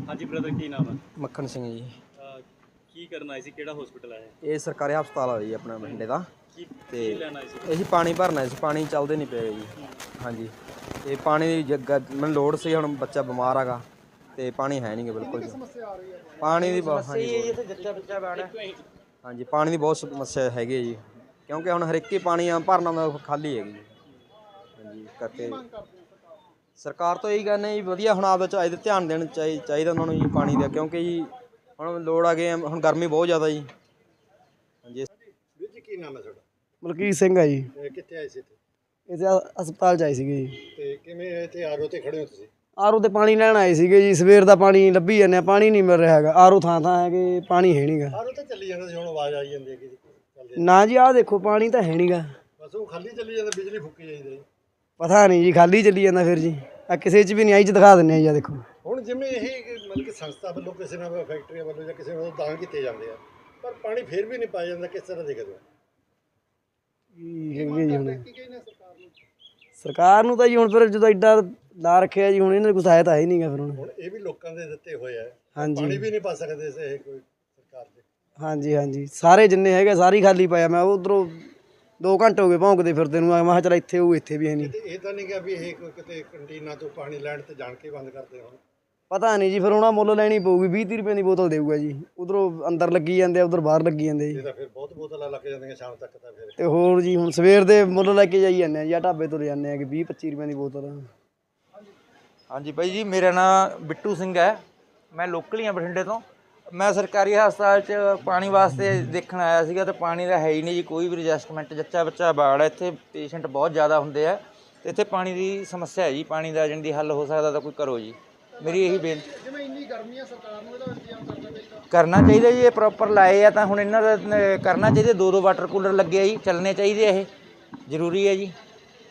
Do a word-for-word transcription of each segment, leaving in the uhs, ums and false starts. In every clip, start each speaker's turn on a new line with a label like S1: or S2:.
S1: हाँ जी ब्रदर, की नाम है?
S2: मक्खन सिंह जी।
S1: ਅਹ ਕੀ ਕਰਨ ਆਏ ਸੀ, ਕਿਹੜਾ ਹਸਪੀਟਲ ਆਏ?
S2: ਇਹ ਸਰਕਾਰੀ ਹਸਪਤਾਲ ਆ ਜੀ ਆਪਣਾ ਬਠਿੰਡੇ ਦਾ।
S1: ਕੀ
S2: ਤੇ
S1: ਕੀ ਲੈਣਾ ਸੀ?
S2: ਅਸੀਂ ਪਾਣੀ ਭਰਨਾ ਸੀ, ਪਾਣੀ ਚੱਲਦੇ ਨਹੀਂ ਪਏ ਜੀ। ਹਾਂਜੀ, ਤੇ ਪਾਣੀ ਦੀ ਜੱਗਾ ਮੈਨੂੰ ਲੋੜ ਸੀ, ਹੁਣ ਬੱਚਾ ਬਿਮਾਰ ਹੈਗਾ ਤੇ ਪਾਣੀ ਹੈ ਨਹੀਂ ਗਾ ਬਿਲਕੁਲ ਜੀ। ਪਾਣੀ ਦੀ ਬਹੁਤ ਹਾਂਜੀ ਹਾਂਜੀ ਪਾਣੀ ਦੀ ਬਹੁਤ ਸਮੱਸਿਆ ਹੈਗੀ ਹੈ ਜੀ, ਕਿਉਂਕਿ ਹੁਣ ਹਰ ਇੱਕ ਹੀ ਪਾਣੀ ਆ ਭਰਨਾ ਦਾ ਖਾਲੀ ਹੈਗੀ ਜੀ। ਹਾਂਜੀ ਕਰਕੇ ਸਰਕਾਰ ਤੋਂ ਇਹੀ ਕਹਿੰਦੇ ਜੀ ਵਧੀਆ ਹੁਣ ਆਪਦਾ ਚਾਹੀਦਾ ਧਿਆਨ ਦੇਣਾ ਚਾਹੀ ਚਾਹੀਦਾ ਉਹਨਾਂ ਨੂੰ ਜੀ ਪਾਣੀ ਦਾ, ਕਿਉਂਕਿ ਜੀ ਹੁਣ ਲੋੜ ਆ ਗਈ ਹੁਣ ਗਰਮੀ ਬਹੁਤ ਜ਼ਿਆਦਾ ਜੀ। ਹਾਂਜੀ
S3: ਵੀਰ ਜੀ ਕੀ ਨਾਮ ਹੈ ਤੁਹਾਡਾ?
S4: ਮਲਕੀਤ ਸਿੰਘ ਆ ਜੀ।
S3: ਤੇ ਕਿੱਥੇ ਆਏ ਸੀ ਇੱਥੇ?
S4: ਇੱਥੇ ਹਸਪਤਾਲ 'ਚ ਆਏ ਸੀਗੇ ਜੀ।
S3: ਤੇ ਕਿਵੇਂ ਇੱਥੇ ਆਰਓ ਤੇ ਖੜੇ ਹੋ ਤੁਸੀਂ?
S4: ਆਰਓ ਤੇ ਪਾਣੀ ਲੈਣ ਆਏ ਸੀਗੇ ਜੀ, ਸਵੇਰ ਦਾ ਪਾਣੀ ਲੱਭੀ ਜਾਂਦੇ ਆ, ਪਾਣੀ ਨਹੀਂ ਮਿਲ ਰਿਹਾ ਹੈਗਾ। ਆਰਓ ਥਾਂ ਥਾਂ ਹੈਗੇ, ਪਾਣੀ ਹੈ ਨਹੀਂਗਾ।
S3: ਆਰਓ ਤੇ ਚੱਲੀ ਜਾਂਦਾ ਸੀ, ਹੁਣ ਆਵਾਜ਼ ਆਈ ਜਾਂਦੀ ਹੈ ਕਿ ਚੱਲਦੇ
S4: ਨਾ ਜੀ ਆਹ ਦੇਖੋ ਪਾਣੀ ਤਾਂ ਹੈ ਨਹੀਂਗਾ।
S3: ਬਸ ਉਹ ਖਾਲੀ ਚੱਲੀ ਜਾਂਦਾ, ਬਿਜਲੀ ਫੁੱਕੀ ਜਾਂਦੀ ਹੈ।
S4: ਪਤਾ ਨਹੀਂ ਜੀ, ਖਾਲੀ ਚੱਲੀ ਜਾਂਦਾ ਫਿਰ ਜੀ। ਆ ਕਿਸੇ 'ਚ ਵੀ ਨਹੀਂ ਆਈ 'ਚ ਦਿਖਾ ਦਿੰਦੇ ਆ ਜੀ, ਆ ਦੇਖੋ।
S3: ਹੁਣ ਜਿਵੇਂ ਇਹ ਮਤਲਬ ਕਿ ਸੰਸਥਾ ਵੱਲੋਂ ਕਿਸੇ ਨਾਲ ਫੈਕਟਰੀਆਂ ਵੱਲੋਂ ਜਾਂ ਕਿਸੇ ਵੱਲੋਂ ਦਾਨ ਕੀਤੇ ਜਾਂਦੇ ਆ, ਪਰ ਪਾਣੀ ਫਿਰ ਵੀ ਨਹੀਂ ਪਾਇਆ ਜਾਂਦਾ, ਕਿਸ ਤਰ੍ਹਾਂ ਦੇਖਦੇ ਹੋ?
S4: ਕੀ ਹੈਗੇ ਜੀ ਹੁਣ ਸਰਕਾਰ ਨੂੰ ਤਾਂ ਜੀ, ਹੁਣ ਫਿਰ ਜਦੋਂ ਐਡਾ ਲਾ ਰੱਖਿਆ ਜੀ, ਹੁਣ ਇਹਨਾਂ ਨੂੰ ਕੁਛ ਆਇਆ ਤਾਂ ਹੈ ਨਹੀਂਗਾ ਫਿਰ ਹੁਣ।
S3: ਹੁਣ ਇਹ ਵੀ ਲੋਕਾਂ ਦੇ ਦਿੱਤੇ ਹੋਏ ਆ,
S4: ਹਾਂਜੀ
S3: ਪਾਣੀ ਵੀ ਨਹੀਂ ਪਾ ਸਕਦੇ ਇਹ ਕੋਈ ਸਰਕਾਰ ਦੇ।
S4: ਹਾਂਜੀ ਹਾਂਜੀ ਸਾਰੇ ਜਿੰਨੇ ਹੈਗੇ ਸਾਰੇ ਹੀ ਖਾਲੀ ਪਾਇਆ। ਮੈਂ ਉਧਰੋਂ ਦੋ ਘੰਟੇ ਹੋ ਗਏ ਭੌਂਕਦੇ ਫਿਰਦੇ ਨੂੰ, ਮੈਂ ਕਿਹਾ ਚੱਲ ਇੱਥੇ ਉਹ ਇੱਥੇ ਵੀ ਹੈ ਨਹੀਂ।
S3: ਤੇ ਇਹ ਤਾਂ ਨਹੀਂ ਕਿ ਵੀ ਇਹ ਕੋਈ ਕਿਤੇ ਕੰਟੀਨਾਂ ਤੋਂ ਪਾਣੀ ਲੈਣ ਤੇ ਜਾਣ ਕੇ ਬੰਦ ਕਰਦੇ ਹੋਣ?
S4: ਪਤਾ ਨਹੀਂ ਜੀ, ਫਿਰ ਉਹਨਾਂ ਮੁੱਲ ਲੈਣੀ ਪਊਗੀ। ਵੀਹ ਤੀਹ ਰੁਪਏ ਦੀ ਬੋਤਲ ਦੇਊਗਾ ਜੀ, ਉਧਰੋਂ ਅੰਦਰ ਲੱਗੀ ਜਾਂਦੇ ਆ, ਉਧਰ ਬਾਹਰ ਲੱਗੀ ਜਾਂਦੇ ਜੀ।
S3: ਇਹ ਤਾਂ ਫਿਰ ਬਹੁਤ ਬੋਤਲਾਂ ਲੱਗ ਜਾਂਦੀਆਂ ਸ਼ਾਮ ਤੱਕ ਤਾਂ ਫਿਰ।
S4: ਤੇ ਹੋਰ ਜੀ ਹੁਣ ਸਵੇਰ ਦੇ ਮੁੱਲ ਲੈ ਕੇ ਜਾਈ ਜਾਂਦੇ ਆ ਜਾਂ ਢਾਬੇ ਤੋਂ ਲੈ ਜਾਂਦੇ ਆ ਕਿ ਵੀਹ ਪੱਚੀ ਰੁਪਏ ਦੀ ਬੋਤਲ।
S5: ਹਾਂਜੀ ਬਾਈ ਜੀ, ਮੇਰਾ ਨਾਮ ਬਿੱਟੂ ਸਿੰਘ ਹੈ, ਮੈਂ ਲੋਕਲ ਹੀ ਹਾਂ ਬਠਿੰਡੇ ਤੋਂ। ਮੈਂ ਸਰਕਾਰੀ ਹਸਪਤਾਲ 'ਚ ਪਾਣੀ ਵਾਸਤੇ ਦੇਖਣ ਆਇਆ ਸੀਗਾ, ਤੇ ਪਾਣੀ ਦਾ ਹੈ ਹੀ ਨਹੀਂ ਜੀ, ਕੋਈ ਵੀ ਐਡਜਸਟਮੈਂਟ। ਜੱਚਾ ਬੱਚਾ ਬਾੜ ਹੈ ਇੱਥੇ, ਪੇਸ਼ੈਂਟ ਬਹੁਤ ਜ਼ਿਆਦਾ ਹੁੰਦੇ ਆ, ਤੇ ਇੱਥੇ ਪਾਣੀ ਦੀ ਸਮੱਸਿਆ ਹੈ ਜੀ। ਪਾਣੀ ਦਾ ਜਿਹਦੀ ਹੱਲ ਹੋ ਸਕਦਾ ਤਾਂ ਕੋਈ ਕਰੋ ਜੀ, ਮੇਰੀ ਇਹੀ ਬੇਨਤੀ।
S3: ਜਿਵੇਂ ਇੰਨੀ ਗਰਮੀ ਆ, ਸਰਕਾਰ ਨੂੰ ਇਹਦਾ ਇੰਤਜ਼ਾਮ ਕਰਨਾ ਚਾਹੀਦਾ।
S5: ਕਰਨਾ ਚਾਹੀਦਾ ਜੀ, ਇਹ ਪ੍ਰੋਪਰ ਲਾਏ ਆ ਤਾਂ ਹੁਣ ਇਹਨਾਂ ਦਾ ਕਰਨਾ ਚਾਹੀਦਾ। ਦੋ ਦੋ ਵਾਟਰ ਕੂਲਰ ਲੱਗੇ ਆ ਜੀ, ਚੱਲਣੇ ਚਾਹੀਦੇ ਆ, ਇਹ ਜ਼ਰੂਰੀ ਹੈ ਜੀ।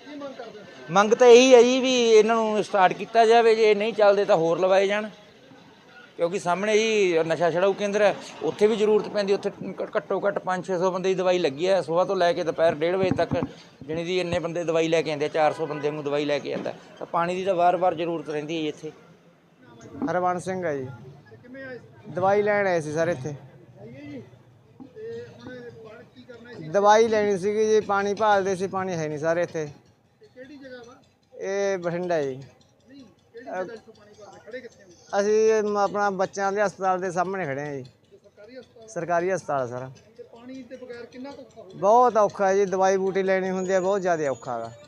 S5: ਮੰਗ ਤਾਂ ਇਹੀ ਹੈ ਜੀ ਵੀ ਇਹਨਾਂ ਨੂੰ ਸਟਾਰਟ ਕੀਤਾ ਜਾਵੇ, ਜੇ ਨਹੀਂ ਚੱਲਦੇ ਤਾਂ ਹੋਰ ਲਵਾਏ ਜਾਣ, ਕਿਉਂਕਿ ਸਾਹਮਣੇ ਜੀ ਨਸ਼ਾ ਛਡਾਊ ਕੇਂਦਰ ਹੈ, ਉੱਥੇ ਵੀ ਜ਼ਰੂਰਤ ਪੈਂਦੀ। ਉੱਥੇ ਘੱਟੋ ਘੱਟ ਪੰਜ ਛੇ ਸੌ ਬੰਦੇ ਦੀ ਦਵਾਈ ਲੱਗੀ ਹੈ, ਸੁਬਾਹ ਤੋਂ ਲੈ ਕੇ ਦੁਪਹਿਰ ਡੇਢ ਵਜੇ ਤੱਕ ਜਾਣੀ ਦੀ ਇੰਨੇ ਬੰਦੇ ਦਵਾਈ ਲੈ ਕੇ ਆਉਂਦੇ, ਚਾਰ ਸੌ ਬੰਦੇ ਨੂੰ ਦਵਾਈ ਲੈ ਕੇ ਆਉਂਦਾ। ਤਾਂ ਪਾਣੀ ਦੀ ਤਾਂ ਵਾਰ-ਵਾਰ ਜ਼ਰੂਰਤ ਰਹਿੰਦੀ ਹੈ ਜੀ ਇੱਥੇ।
S4: ਹਰਵੰਸ ਸਿੰਘ ਆ ਜੀ, ਦਵਾਈ ਲੈਣ ਆਏ ਸੀ ਸਰ ਇੱਥੇ। ਦਵਾਈ ਲੈਣੀ ਸੀਗੀ ਜੀ, ਪਾਣੀ ਭਾਲਦੇ ਸੀ, ਪਾਣੀ ਹੈ ਨਹੀਂ ਸਾਰੇ ਇੱਥੇ। ਇਹ ਬਠਿੰਡਾ ਜੀ। ਅਸੀਂ ਆਪਣਾ ਬੱਚਿਆਂ ਦੇ ਹਸਪਤਾਲ ਦੇ ਸਾਹਮਣੇ ਖੜੇ ਹਾਂ ਜੀ, ਸਰਕਾਰੀ ਹਸਪਤਾਲ ਸਰ। ਬਹੁਤ ਔਖਾ ਜੀ, ਦਵਾਈ ਬੂਟੀ ਲੈਣੀ ਹੁੰਦੀ ਹੈ, ਬਹੁਤ ਜ਼ਿਆਦਾ ਔਖਾ ਗਾ।